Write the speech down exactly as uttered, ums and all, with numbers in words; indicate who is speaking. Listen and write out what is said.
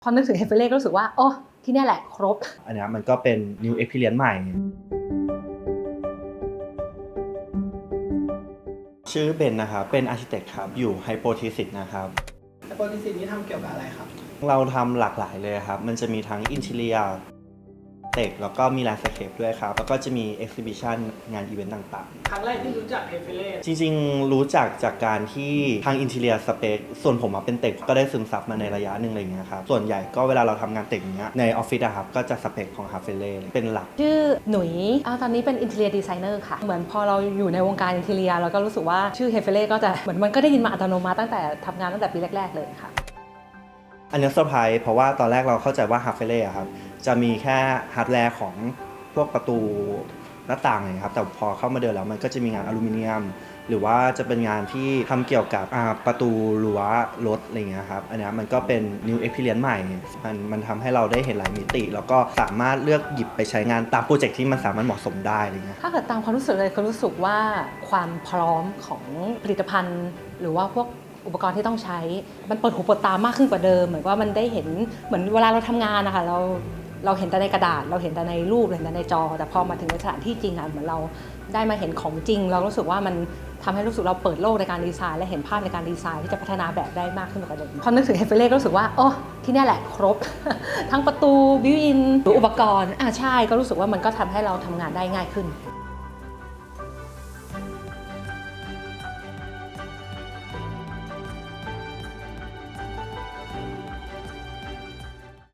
Speaker 1: พอนึกถึงเฮฟเฟเล่ก็รู้สึกว่าโอ้ที่นี่แหละครบ
Speaker 2: อันนี้มันก็เป็น new experience ใหม่ชื่อเบนนะครับเป็น architect ครับอยู่ Hypothesis นะครับ
Speaker 3: Hypothesis นี้ทำเกี่ยวกับอะไรครับ
Speaker 2: เราทำหลากหลายเลยครับมันจะมีทั้ง interior เต็กแล้วก็มี landscape ด้วยครับแล้วก็จะมี exhibition งานอีเวนต์ต่าง
Speaker 3: ๆครั้งแรกที่รู้จักเฮฟเฟเล่
Speaker 2: จริงๆรู้จักจากการที่ทาง interior space ส่วนผมเป็นเต็กก็ได้ซึมซับมาในระยะหนึ่งอะไรเงี้ยครับส่วนใหญ่ก็เวลาเราทำงานเต็กอย่างเงี้ยในออฟฟิศอะครับก็จะสเปคของฮาเฟเล่เป็นหลัก
Speaker 1: ชื่อหนุยเอาตอนนี้เป็น interior designer ค่ะเหมือนพอเราอยู่ในวงการ interior เราก็รู้สึกว่าชื่อเฮฟเฟเล่ก็จะเหมือนมันก็ได้ยินมาอัตโนมัติตั้งแต่ทำงานตั้งแต่ปีแรกๆเลยค่ะ
Speaker 2: อันนี้เซอร์ไพรส์เพราะว่าตอนแรกเราเข้าใจว่าฮาเฟเล่ครับจะมีแค่ฮาร์ดแวร์ของพวกประตูหน้าต่างเลยครับแต่พอเข้ามาเดินแล้วมันก็จะมีงานอลูมิเนียมหรือว่าจะเป็นงานที่ทำเกี่ยวกับประตูรั้วรถอะไรเงี้ยครับอันนี้มันก็เป็น new experience ใหม่มันมันทำให้เราได้เห็นหลายมิติแล้วก็สามารถเลือกหยิบไปใช้งานตามโปรเจกต์ที่มันสามารถเหมาะสมได้อะไรเงี้ย
Speaker 1: ถ้าเกิดตามความรู้สึกเลยก็รู้สึกว่าความพร้อมของผลิตภัณฑ์หรือว่าพวกอุปกรณ์ที่ต้องใช้มันเปิดหูเปิดตามากขึ้นกว่าเดิมเหมือนว่ามันได้เห็นเหมือนเวลาเราทำงานนะคะเราเราเห็นแต่ในกระดาษเราเห็นแต่ในรูปเห็นแต่ในจอแต่พอมาถึงในสถานที่จริงอ่ะเหมือนเราได้มาเห็นของจริงเรารู้สึกว่ามันทำให้รู้สึกเราเปิดโลกในการดีไซน์และเห็นภาพในการดีไซน์ที่จะพัฒนาแบบได้มากขึ้นกว่าเดิมพอนึกถึงเฮฟเฟเล่ก็รู้สึกว่าโอ้ที่นี่แหละครบ ทั้งประตูบิวอินหรืออุปกรณ์อ่าใช่ก็รู้สึกว่ามันก็ทำให้เราทำงานได้ง่ายขึ้น